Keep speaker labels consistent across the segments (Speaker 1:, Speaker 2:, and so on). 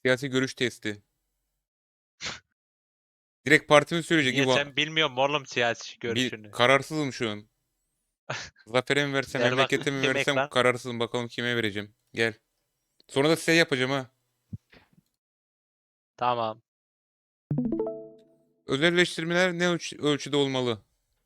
Speaker 1: Siyasi görüş testi. Direkt partimi söyleyecek.
Speaker 2: Niye
Speaker 1: İbo.
Speaker 2: sen bilmiyorum oğlum siyasi görüşünü.
Speaker 1: Kararsızım şu an. Zafer'e mi versem,
Speaker 2: Ver
Speaker 1: memlekete mi
Speaker 2: bakayım
Speaker 1: versem
Speaker 2: ekran.
Speaker 1: kararsızım. Bakalım kime vereceğim. Gel. Sonra da size yapacağım ha.
Speaker 2: Tamam.
Speaker 1: Özelleştirmeler ne ölçüde olmalı?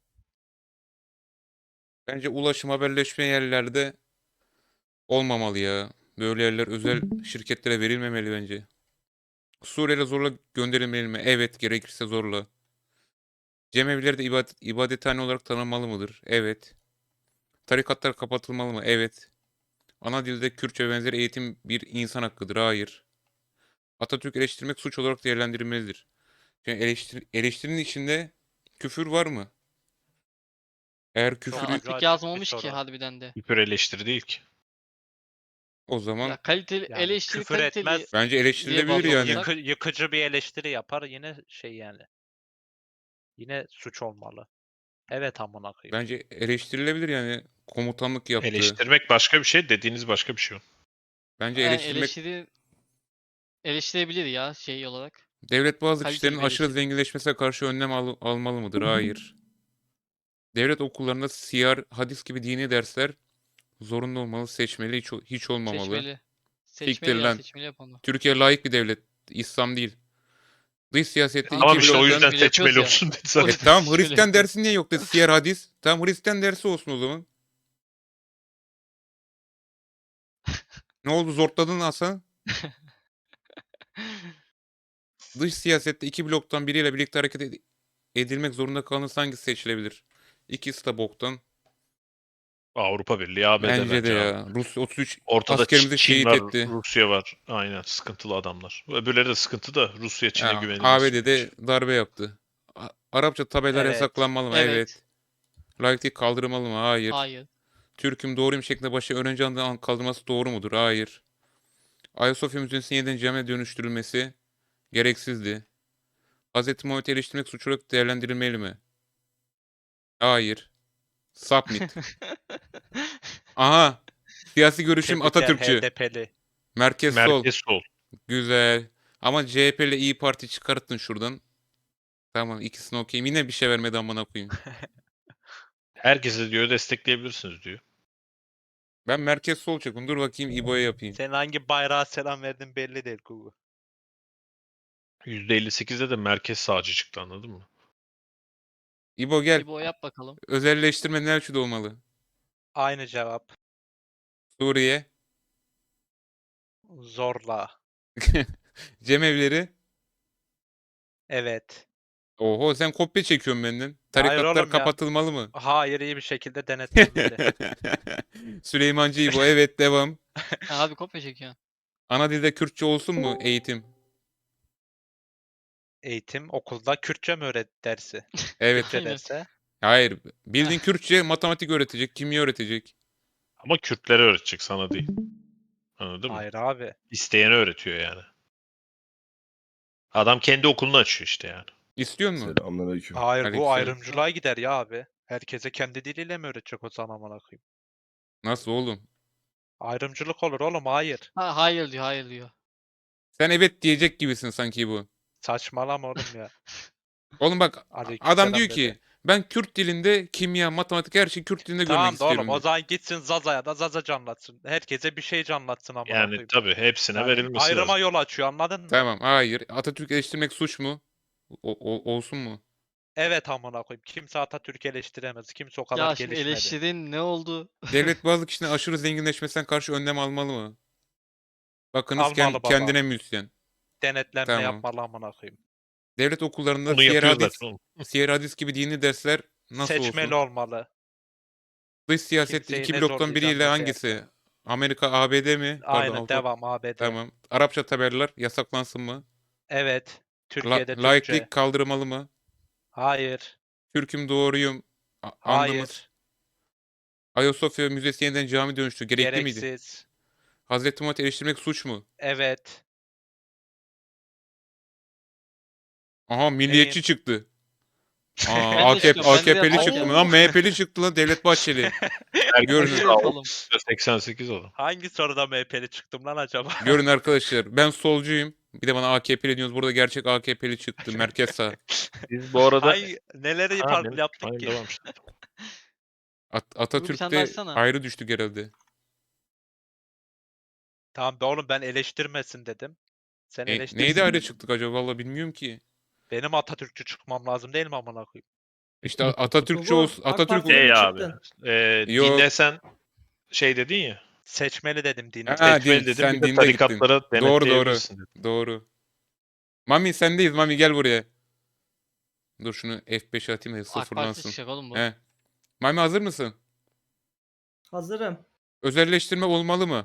Speaker 1: Bence ulaşım, haberleşme yerlerde olmamalı ya. Böyle yerler özel şirketlere verilmemeli bence. Suriye'yle zorla gönderilmeli mi? Evet, gerekirse zorla. Cemevleri de ibadethane olarak tanınmalı mıdır? Evet. Tarikatlar kapatılmalı mı? Evet. Ana dilde Kürtçe benzeri eğitim bir insan hakkıdır. Hayır. Atatürk eleştirmek suç olarak değerlendirilmelidir. Yani eleştirinin içinde küfür var mı? Eğer
Speaker 2: Çok
Speaker 1: küfür
Speaker 2: ucu
Speaker 3: Atatürk
Speaker 2: açık bir
Speaker 3: yazmamış ki
Speaker 2: soru.
Speaker 3: harbiden de.
Speaker 4: Hiper eleştiri değil ki.
Speaker 1: o zaman
Speaker 3: Ya kaliteli
Speaker 2: Yani
Speaker 3: eleştiri
Speaker 2: küfür
Speaker 3: kaliteli
Speaker 2: etmez.
Speaker 1: bence
Speaker 3: diye
Speaker 1: eleştirilebilir
Speaker 3: baz
Speaker 1: yani.
Speaker 3: alırsak
Speaker 2: Yıkıcı bir eleştiri yapar yine şey yani. Yine suç olmalı. Evet amına koyayım.
Speaker 1: Bence eleştirilebilir yani komutanlık yaptığı.
Speaker 4: Eleştirmek başka bir şey, dediğiniz başka bir şey.
Speaker 1: Bence
Speaker 3: yani
Speaker 1: eleştirmek
Speaker 3: eleştirebilir ya şey olarak.
Speaker 1: devlet bazı
Speaker 3: Kaliteli
Speaker 1: kişilerin
Speaker 3: bir
Speaker 1: aşırı
Speaker 3: eleştiri.
Speaker 1: zenginleşmesine karşı önlem almalı mıdır? Hayır. Devlet okullarında siyer, hadis gibi dini dersler zorunlu olmalı, seçmeli, hiç olmamalı.
Speaker 3: Seçmeli.
Speaker 1: Siktir
Speaker 3: Seçmeli ya
Speaker 1: lan.
Speaker 3: seçmeli yap onu.
Speaker 1: Türkiye layık bir devlet. İslam değil. Dış siyasette
Speaker 3: Tamam,
Speaker 4: Tamam
Speaker 1: iki
Speaker 4: işte o
Speaker 1: bloktan...
Speaker 4: yüzden
Speaker 3: seçmeli yapıyoruz
Speaker 4: seçmeli
Speaker 3: ya.
Speaker 4: olsun dedi
Speaker 3: O
Speaker 4: zaten.
Speaker 3: yüzden
Speaker 1: Tamam,
Speaker 3: seçmeli
Speaker 1: Hristiyan
Speaker 3: yapıyoruz.
Speaker 1: dersi niye yok dedi. Siyer hadis. Tamam, Hristiyan dersi olsun o zaman. Ne oldu, zortladın Hasan? Dış siyasette iki bloktan biriyle birlikte hareket edilmek zorunda kalınırsa hangisi seçilebilir? İkisi de boktan.
Speaker 4: Avrupa Birliği, ABD
Speaker 1: Bence de
Speaker 4: bence abi.
Speaker 1: ya. Rusya 33
Speaker 4: Ortada
Speaker 1: askerimizi
Speaker 4: Çin
Speaker 1: şehit
Speaker 4: var,
Speaker 1: etti.
Speaker 4: Rusya var. Aynen, sıkıntılı adamlar. Öbürleri de sıkıntı da Rusya Çin'e
Speaker 1: Ya,
Speaker 4: güvenilmez sürece.
Speaker 1: ABD'de darbe yaptı. Arapça tabelalar
Speaker 2: Evet.
Speaker 1: yasaklanmalı mı?
Speaker 3: Evet.
Speaker 1: Evet. Laiklik kaldırılmalı mı? Hayır.
Speaker 3: Hayır.
Speaker 1: Türk'üm doğruyum şeklinde başı öğrenci adından kaldırılması doğru mudur? Hayır. Ayasofya Müzesi'nin yeniden camiye dönüştürülmesi gereksizdi. Hz. Muhammed'i eleştirmek suç olarak değerlendirilmeli mi? Hayır. Submit. Aha. Siyasi görüşüm
Speaker 2: Tebrikler
Speaker 1: Atatürkçü.
Speaker 2: HDP'li.
Speaker 1: Merkez sol.
Speaker 4: Merkez sol.
Speaker 1: Güzel. Ama CHP ile İyi Parti çıkarttın şuradan. Tamam, ikisini okuyayım. Yine bir şey vermedi amına koyayım.
Speaker 4: Herkese diyor destekleyebilirsiniz diyor.
Speaker 1: Ben merkez sol çekim. Dur bakayım İbo'ya yapayım.
Speaker 2: Sen hangi bayrağa selam verdin belli değil Google.
Speaker 4: %58'de de merkez sağcı çıktı, anladın mı?
Speaker 1: İbo gel.
Speaker 3: İbo yap bakalım.
Speaker 1: Özelleştirme ne ölçüde olmalı?
Speaker 2: Aynı cevap.
Speaker 1: Suriye.
Speaker 2: Zorla.
Speaker 1: Cemevleri.
Speaker 2: Evet.
Speaker 1: Oho, sen kopya çekiyorsun benden.
Speaker 2: Hayır
Speaker 1: Tarikatlar
Speaker 2: oğlum ya.
Speaker 1: kapatılmalı mı?
Speaker 2: Hayır, iyi bir şekilde denetlenmeli.
Speaker 1: Süleymancı İbo. Evet, devam.
Speaker 3: Abi kopya çekiyorsun.
Speaker 1: Ana dilde Kürtçe olsun mu eğitim?
Speaker 2: Eğitim okulda Kürtçe mi dersi?
Speaker 1: Evet.
Speaker 2: Kürtçe
Speaker 3: Aynen.
Speaker 2: derse.
Speaker 1: Hayır. Bildiğin Kürtçe matematik öğretecek, kimya öğretecek.
Speaker 4: Ama Kürtlere öğretecek, sana değil. Anladın mı?
Speaker 2: Hayır abi.
Speaker 4: İsteyene öğretiyor yani. Adam kendi okulunu açıyor işte yani.
Speaker 1: İstiyor musun?
Speaker 5: Selamünaleyküm.
Speaker 2: Hayır, bu
Speaker 1: Aleykümselam.
Speaker 2: ayrımcılığa gider ya abi. Herkese kendi diliyle mi öğretecek o zaman amına koyayım?
Speaker 1: Nasıl oğlum?
Speaker 2: Ayrımcılık olur oğlum, hayır.
Speaker 3: Ha, hayır diyor hayır diyor.
Speaker 1: Sen evet diyecek gibisin sanki bu.
Speaker 2: Saçmalama oğlum ya.
Speaker 1: Oğlum bak, adam diyor
Speaker 2: Aleykümselam
Speaker 1: ki
Speaker 2: dedi.
Speaker 1: ben Kürt dilinde kimya, matematik her şeyi Kürt dilinde görmek
Speaker 2: Tamam da oğlum,
Speaker 1: istiyorum
Speaker 2: o
Speaker 1: diyor.
Speaker 2: zaman gitsin Zaza'ya da Zaza anlatsın. Herkese bir şey anlatsın amına
Speaker 4: Yani
Speaker 2: koyayım.
Speaker 4: tabii hepsine
Speaker 2: Yani
Speaker 4: verilmesi
Speaker 2: ayrıma
Speaker 4: lazım.
Speaker 2: yol açıyor, anladın mı?
Speaker 1: Tamam, hayır. Atatürk eleştirmek suç mu? Olsun mu?
Speaker 2: Evet amına koyayım. Kimse Atatürk'ü eleştiremez. Kimse o kadar
Speaker 3: Ya şimdi
Speaker 2: gelişmedi.
Speaker 3: eleştirin ne oldu?
Speaker 1: Devlet bazı kişinin aşırı zenginleşmesinden karşı önlem almalı mı? Bakınız
Speaker 2: Almalı baba.
Speaker 1: kendine müzisyen.
Speaker 2: Denetlenme
Speaker 1: Tamam.
Speaker 2: yapmalı amına koyayım.
Speaker 1: Devlet okullarında
Speaker 4: Onu yapıyor zaten oğlum.
Speaker 1: siyer hadis gibi dini dersler nasıl
Speaker 2: Seçmeli
Speaker 1: olsun?
Speaker 2: olmalı.
Speaker 1: Dış siyasette
Speaker 2: Kimseyi
Speaker 1: iki
Speaker 2: ne
Speaker 1: bloktan biriyle
Speaker 2: zorlayacağını
Speaker 1: hangisi?
Speaker 2: yapma.
Speaker 1: Amerika, ABD mi? Pardon,
Speaker 2: Aynen, devam ABD.
Speaker 1: Tamam. Arapça tabelalar yasaklansın mı?
Speaker 2: Evet. Türkiye'de Türkçe.
Speaker 1: Laiklik kaldırılmalı mı?
Speaker 2: Hayır.
Speaker 1: Türk'üm doğruyum. Andımız.
Speaker 2: Hayır.
Speaker 1: Ayasofya Müzesi yeniden cami dönüştü. Gerekli miydi?
Speaker 2: Gereksiz.
Speaker 1: Hazreti Muhammed eleştirmek suç mu?
Speaker 2: Evet.
Speaker 1: Aha, milliyetçi çıktı. Aa,
Speaker 3: Ben de çıkıyorum, ben de
Speaker 1: AKP'li
Speaker 3: yapacağım.
Speaker 1: çıktı. Lan MHP'li çıktı lan, Devlet Bahçeli. Görün.
Speaker 4: Herkes
Speaker 3: Hadi
Speaker 4: sağ ol.
Speaker 3: yapalım.
Speaker 4: 88 adam.
Speaker 2: Hangi soruda MHP'li çıktım lan acaba?
Speaker 1: Görün arkadaşlar, ben solcuyum. Bir de bana AKP'li diyorsunuz. Burada gerçek AKP'li çıktı. Merkez sağ.
Speaker 4: Biz bu arada
Speaker 2: Ay neleri
Speaker 4: Ha,
Speaker 2: farklı
Speaker 4: benim-
Speaker 2: yaptık
Speaker 4: Aynen,
Speaker 2: ki?
Speaker 4: devam işte.
Speaker 3: Bir tane daha
Speaker 1: Atatürk'te
Speaker 3: açsana.
Speaker 1: ayrı düştük herhalde.
Speaker 2: Tamam be oğlum ben eleştirmesin dedim. Sen eleştirsin
Speaker 1: Neydi ayrı
Speaker 2: dedin.
Speaker 1: çıktık acaba? Vallahi bilmiyorum ki.
Speaker 2: Benim Atatürkçü çıkmam lazım değil mi amına koyayım?
Speaker 1: İşte Atatürkçü
Speaker 5: Gugu,
Speaker 1: olsun.
Speaker 5: AK
Speaker 1: Atatürk
Speaker 5: Parti'ye mi
Speaker 4: Şey abi.
Speaker 5: çıktın?
Speaker 1: Yok.
Speaker 4: Dinlesen şey dedin ya.
Speaker 2: Seçmeli dedim dini.
Speaker 1: Ha,
Speaker 4: Seçmeli
Speaker 1: din,
Speaker 4: dedin.
Speaker 1: sen
Speaker 4: Bir de
Speaker 1: dinde
Speaker 4: tarikatlara
Speaker 1: gittin. Doğru doğru.
Speaker 4: denetleyebilirsin dedin.
Speaker 1: Doğru. Mami sendeyiz. Mami gel buraya. Dur şunu F5'e atayım da
Speaker 3: AK Parti
Speaker 1: sıfırlansın.
Speaker 3: çıkacak oğlum bu.
Speaker 1: He. Mami hazır mısın?
Speaker 5: Hazırım.
Speaker 1: Özelleştirme olmalı mı?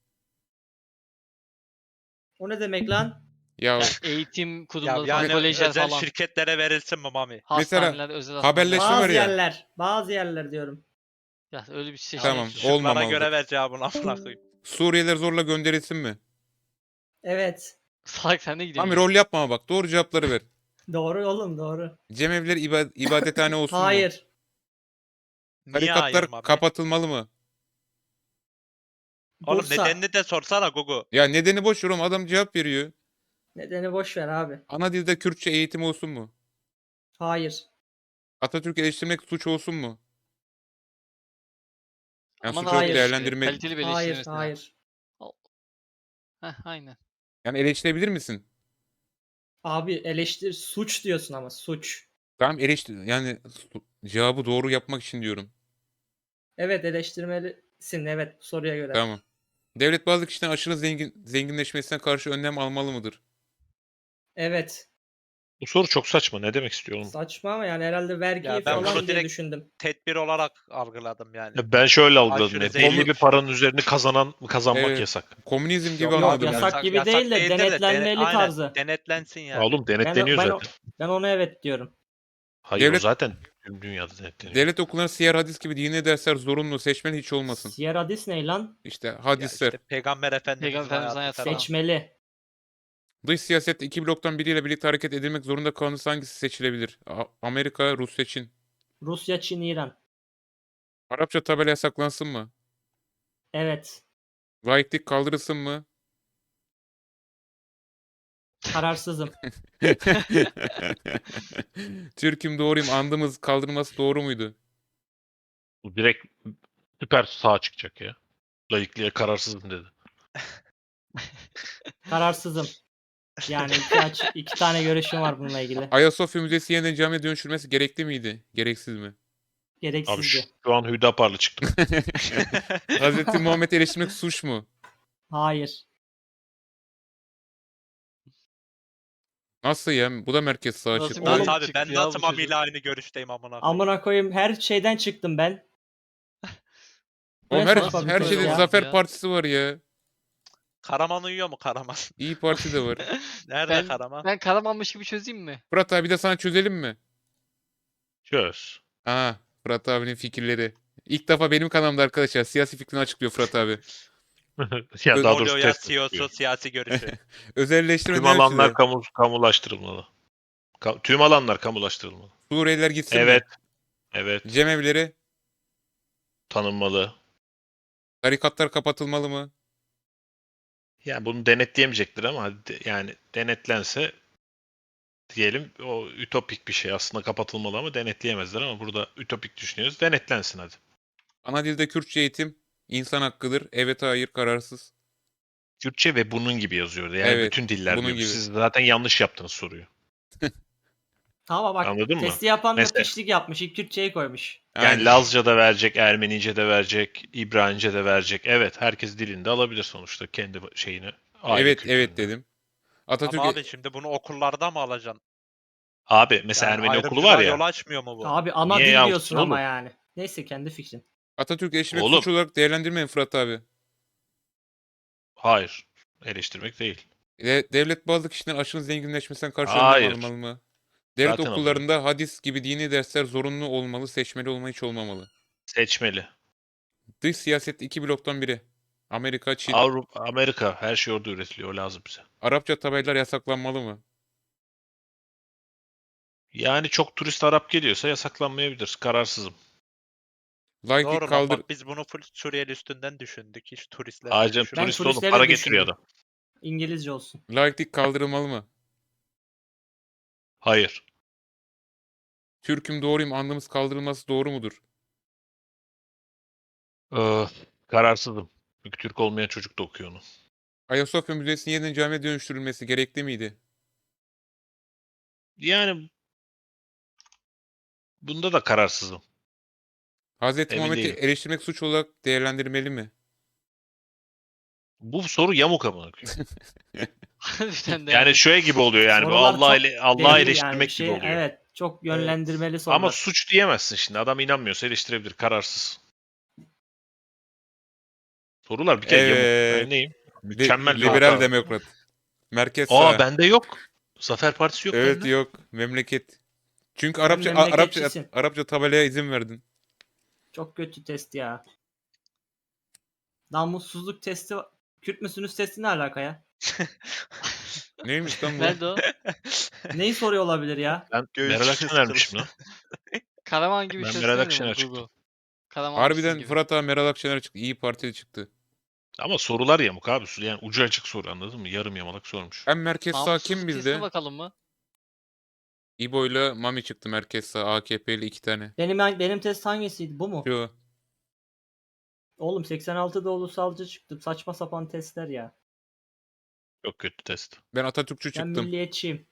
Speaker 5: O ne demek lan?
Speaker 1: Ya
Speaker 3: Ya eğitim
Speaker 2: Ya
Speaker 3: kurumları
Speaker 2: yani
Speaker 3: falan, kolejler
Speaker 2: özel
Speaker 3: falan.
Speaker 2: şirketlere verilsin mi Mami?
Speaker 3: Hastaneler, özel
Speaker 1: haberleşme
Speaker 3: hastaneler.
Speaker 1: var
Speaker 5: Bazı
Speaker 1: ya.
Speaker 5: yerler. Bazı yerler diyorum.
Speaker 3: Ya öyle bir şey
Speaker 1: Tamam,
Speaker 3: değil.
Speaker 2: Şıklara
Speaker 1: olmamalıdır.
Speaker 2: göre ver cevabını amına koyayım.
Speaker 1: Suriyeliler zorla gönderilsin mi?
Speaker 5: Evet.
Speaker 3: Salak sen de gidiyorsun.
Speaker 1: Mami rol yapma ama bak. Doğru cevapları ver.
Speaker 5: Doğru oğlum doğru.
Speaker 1: Cemevleri ibadethane olsun mu?
Speaker 5: Hayır.
Speaker 2: Niye
Speaker 1: Tarikatlar
Speaker 2: hayır Mami?
Speaker 1: kapatılmalı mı?
Speaker 2: Oğlum
Speaker 5: Bursa.
Speaker 2: nedenini de sorsana Gugu.
Speaker 1: Ya nedeni boş ver oğlum. Adam cevap veriyor.
Speaker 5: Nedeni boş ver abi.
Speaker 1: Ana dilde Kürtçe eğitim olsun mu?
Speaker 5: Hayır.
Speaker 1: Atatürk'ü eleştirmek suç olsun mu? Yani
Speaker 3: Ama
Speaker 1: suç olarak
Speaker 5: hayır.
Speaker 1: değerlendirme...
Speaker 3: Kaliteli bir
Speaker 5: Hayır.
Speaker 3: eleştirmesi.
Speaker 5: Hayır.
Speaker 3: Heh, aynen.
Speaker 1: Yani eleştirebilir misin?
Speaker 5: Abi eleştir suç diyorsun ama suç.
Speaker 1: Tamam eleştir. Yani cevabı doğru yapmak için diyorum.
Speaker 5: Evet eleştirmelisin evet bu soruya göre.
Speaker 1: Tamam. Devlet bazı kişilerin aşırı zenginleşmesine karşı önlem almalı mıdır?
Speaker 5: Evet.
Speaker 4: Bu soru çok saçma. Ne demek istiyor oğlum?
Speaker 5: Saçma ama yani herhalde vergiyi
Speaker 2: Ya ben
Speaker 5: falan
Speaker 2: bunu
Speaker 5: diye
Speaker 2: direkt-
Speaker 5: düşündüm.
Speaker 2: Tedbir olarak algıladım yani.
Speaker 4: Ya ben şöyle algıladım.
Speaker 2: Aşırı
Speaker 4: Belli
Speaker 2: zengin.
Speaker 4: bir paranın üzerine kazanmak
Speaker 1: Evet.
Speaker 4: yasak.
Speaker 1: Komünizm gibi
Speaker 2: Yok
Speaker 5: Yok,
Speaker 1: anladım ben.
Speaker 5: yasak gibi değil de
Speaker 2: değildir
Speaker 5: denetlenmeli
Speaker 2: aynen,
Speaker 5: tarzı.
Speaker 2: denetlensin
Speaker 4: Ya
Speaker 2: yani.
Speaker 4: oğlum denetleniyor
Speaker 5: ben,
Speaker 4: zaten.
Speaker 5: ben ona evet diyorum.
Speaker 4: Hayır o
Speaker 1: Devlet-
Speaker 4: zaten tüm dünyada denetleniyor.
Speaker 1: Devlet okullarında siyer hadis gibi dini dersler zorunlu, seçmeli hiç olmasın.
Speaker 5: Sierra Hadis ne lan?
Speaker 1: İşte
Speaker 2: Ya
Speaker 1: hadisler.
Speaker 2: işte Peygamber Efendimiz'in
Speaker 3: Peygamber Efendimiz'in
Speaker 2: hayatı
Speaker 3: hayatı
Speaker 2: falan.
Speaker 3: falan.
Speaker 5: Seçmeli.
Speaker 1: Dış siyasette iki bloktan biriyle birlikte hareket edilmek zorunda kalınırsa hangisi seçilebilir? Amerika, Rusya, Çin.
Speaker 5: Rusya, Çin, İran.
Speaker 1: Arapça tabela yasaklansın mı?
Speaker 5: Evet.
Speaker 1: Laiklik kaldırılsın mı?
Speaker 5: Kararsızım.
Speaker 1: Türk'üm doğruyum andımız kaldırılması doğru muydu?
Speaker 4: Bu direkt süper sağ çıkacak ya. Laikliğe kararsızım dedi.
Speaker 5: Kararsızım. Yani iki tane görüşüm var bununla ilgili.
Speaker 1: Ayasofya Müzesi yeniden camiye dönüştürmesi gerekli miydi? Gereksiz mi?
Speaker 4: Abi
Speaker 5: Gereksizdi.
Speaker 4: şu an Hüdaparlı çıktım.
Speaker 1: Hazreti Muhammed'i eleştirmek suç mu?
Speaker 5: Hayır.
Speaker 1: Nasıl ya? Bu da merkez sağa
Speaker 3: Nasıl
Speaker 1: çıktı.
Speaker 3: bir
Speaker 2: Lan
Speaker 5: Oğlum,
Speaker 2: abi ben
Speaker 3: çıktı ya
Speaker 2: nasıl
Speaker 3: bu çocuk?
Speaker 2: Mami ile aynı görüşteyim amına koyayım.
Speaker 5: Amına koyayım her şeyden çıktım ben.
Speaker 1: Oğlum
Speaker 5: Ne
Speaker 1: her,
Speaker 5: saçma bir
Speaker 1: her
Speaker 5: soru
Speaker 1: şeyde
Speaker 5: ya.
Speaker 1: Zafer Partisi var ya.
Speaker 2: Karaman uyuyor mu Karaman?
Speaker 1: İyi Parti de var.
Speaker 2: Nerede
Speaker 3: Ben-
Speaker 2: Karaman?
Speaker 3: Ben Karamanmış gibi çözeyim mi?
Speaker 1: Fırat abi de sana çözelim mi?
Speaker 4: Çöz.
Speaker 1: Aa, Fırat abinin fikirleri. İlk defa benim kanalımda arkadaşlar siyasi fikrini açıklıyor Fırat abi.
Speaker 4: Ya
Speaker 1: Ne
Speaker 4: daha
Speaker 2: Oluyor
Speaker 4: doğrusu
Speaker 2: ya
Speaker 4: test
Speaker 2: CEO'su
Speaker 4: yapıyor.
Speaker 2: siyasi görüşü.
Speaker 1: Özelleştirme
Speaker 4: Tüm
Speaker 1: ne
Speaker 4: alanlar
Speaker 1: ölçüde?
Speaker 4: kamulaştırılmalı. Tüm alanlar kamulaştırılmalı.
Speaker 1: Suriyeliler gitsin
Speaker 4: Evet.
Speaker 1: mi?
Speaker 4: Evet.
Speaker 1: Cemevleri,
Speaker 4: Tanınmalı.
Speaker 1: tarikatlar kapatılmalı mı?
Speaker 4: Yani bunu denetleyemeyecektir ama yani denetlense diyelim o ütopik bir şey aslında kapatılmalı ama denetleyemezler ama burada ütopik düşünüyoruz. Denetlensin hadi.
Speaker 1: Ana dilde Kürtçe eğitim insan hakkıdır. Evet, hayır, kararsız.
Speaker 4: Kürtçe ve bunun gibi yazıyordu. Yani
Speaker 1: Evet,
Speaker 4: bütün diller
Speaker 1: bunun
Speaker 4: diyor.
Speaker 1: gibi.
Speaker 4: Siz zaten yanlış yaptınız soruyu.
Speaker 5: Ama bak
Speaker 4: Anladın mı?
Speaker 5: testi yapan da
Speaker 4: Mesela-
Speaker 5: pişlik yapmış. İlk Kürtçeyi koymuş.
Speaker 4: Yani
Speaker 1: Aynen.
Speaker 4: Lazca da verecek, Ermenice de verecek, İbranice de verecek. Evet, herkes dilinde alabilir sonuçta kendi şeyini. aile
Speaker 1: Evet, evet
Speaker 4: kültürünü.
Speaker 1: dedim. Atatürk
Speaker 2: Ama abi şimdi bunu okullarda mı alacaksın?
Speaker 4: Abi mesela
Speaker 2: Yani
Speaker 4: Ermeni okulu
Speaker 2: ayrımcılığa
Speaker 4: var ya.
Speaker 2: yol açmıyor mu bu?
Speaker 5: Abi ana
Speaker 4: Niye
Speaker 5: dil
Speaker 4: yapsın
Speaker 5: diyorsun ama
Speaker 4: oğlum?
Speaker 5: yani. Neyse kendi fikrin.
Speaker 1: Atatürk eleştirmek
Speaker 4: Oğlum.
Speaker 1: suç olarak değerlendirmeyin Fırat abi.
Speaker 4: Hayır. Eleştirmek değil.
Speaker 1: Devlet bazı kişilerin aşırı zenginleşmesinden karşı
Speaker 4: Hayır.
Speaker 1: önlem almalı mı? Devlet
Speaker 4: Zaten
Speaker 1: okullarında hadis gibi dini dersler zorunlu olmalı, seçmeli olma hiç olmamalı.
Speaker 4: Seçmeli.
Speaker 1: Dış siyaset iki bloktan biri. Amerika, Çin.
Speaker 4: Avrupa, Amerika her şey orada üretiliyor. O lazım bize.
Speaker 1: Arapça tabelalar yasaklanmalı mı?
Speaker 4: Yani çok turist Arap geliyorsa yasaklanmayabilir. Kararsızım.
Speaker 1: Laiklik
Speaker 2: Doğru lan
Speaker 1: kaldır...
Speaker 2: bak biz bunu full Suriyeli üstünden düşündük. Hiç turistler
Speaker 4: Ayrıca
Speaker 2: düşünmedik.
Speaker 4: turist oğlum
Speaker 5: turistleri
Speaker 4: para
Speaker 5: de
Speaker 4: getiriyor
Speaker 5: düşündüm.
Speaker 4: adam.
Speaker 5: İngilizce olsun.
Speaker 1: Laiklik kaldırılmalı mı?
Speaker 4: Hayır.
Speaker 1: Türk'üm doğruyum andımız kaldırılması doğru mudur?
Speaker 4: Kararsızım. Çünkü Türk olmayan çocuk da okuyor onu.
Speaker 1: Ayasofya Müzesi'nin yeniden camiye dönüştürülmesi gerekli miydi?
Speaker 4: Yani bunda da kararsızım.
Speaker 1: Hazreti
Speaker 4: Emin
Speaker 1: Muhammed'i
Speaker 4: değilim.
Speaker 1: eleştirmek suç olarak değerlendirmeli mi?
Speaker 4: Bu soru yamuk amına koyayım.
Speaker 3: Harbiden de
Speaker 4: Yani şöyle gibi oluyor yani. Bu
Speaker 5: Sorular çok
Speaker 4: Allah'ı
Speaker 5: belli
Speaker 4: eleştirmek gibi oluyor.
Speaker 5: Evet, çok yönlendirmeli
Speaker 4: Ama
Speaker 5: sorular.
Speaker 4: suç diyemezsin şimdi. Adam inanmıyorsa eleştirebilir. Kararsız. Sorular bir kere yamuk.
Speaker 1: Evet.
Speaker 4: Ben neyim? Mükemmel bir
Speaker 1: Liberal
Speaker 4: hata.
Speaker 1: demokrat. Merkez
Speaker 4: Aa
Speaker 1: sağ.
Speaker 4: bende yok. Zafer Partisi yok
Speaker 1: Evet
Speaker 4: bende.
Speaker 1: yok. Memleket. Çünkü
Speaker 5: Sen
Speaker 1: Arapça
Speaker 5: memleketçisin.
Speaker 1: Arapça tabelaya izin verdin.
Speaker 5: Çok kötü test ya. Namussuzluk testi. Kürt müsünüz testi ne alaka ya?
Speaker 1: Neymiş lan bu?
Speaker 3: Nerede o?
Speaker 5: Neyi soruyor olabilir ya?
Speaker 4: Ben
Speaker 6: Göğüs
Speaker 4: Meral
Speaker 6: sesi
Speaker 4: Akşener'mişim lan.
Speaker 3: Karaman gibi
Speaker 4: Ben
Speaker 3: ses
Speaker 4: Meral
Speaker 3: değil mi
Speaker 4: Akşener
Speaker 3: bu
Speaker 4: çıktım.
Speaker 3: Google? Karamanlıksız
Speaker 1: Harbiden
Speaker 3: gibi.
Speaker 1: Fırat Ağa Meral Akşener çıktı. İyi Partili çıktı.
Speaker 4: Ama sorular yamuk abi. Yani ucu açık soru anladın mı? Yarım yamalak sormuş.
Speaker 1: En merkez sağ kim
Speaker 3: Namussuzluk testine
Speaker 1: bizde?
Speaker 3: bakalım mı?
Speaker 1: İbo ile Mami çıktı merkez sağ. AKP'li 2 tane.
Speaker 5: Benim test hangisiydi? Bu mu?
Speaker 1: Şu.
Speaker 5: Oğlum 86'da ulusalcı çıktım. Saçma sapan testler ya.
Speaker 4: Çok kötü test.
Speaker 1: Ben Atatürkçü
Speaker 5: Ben
Speaker 1: çıktım.
Speaker 5: milliyetçiyim.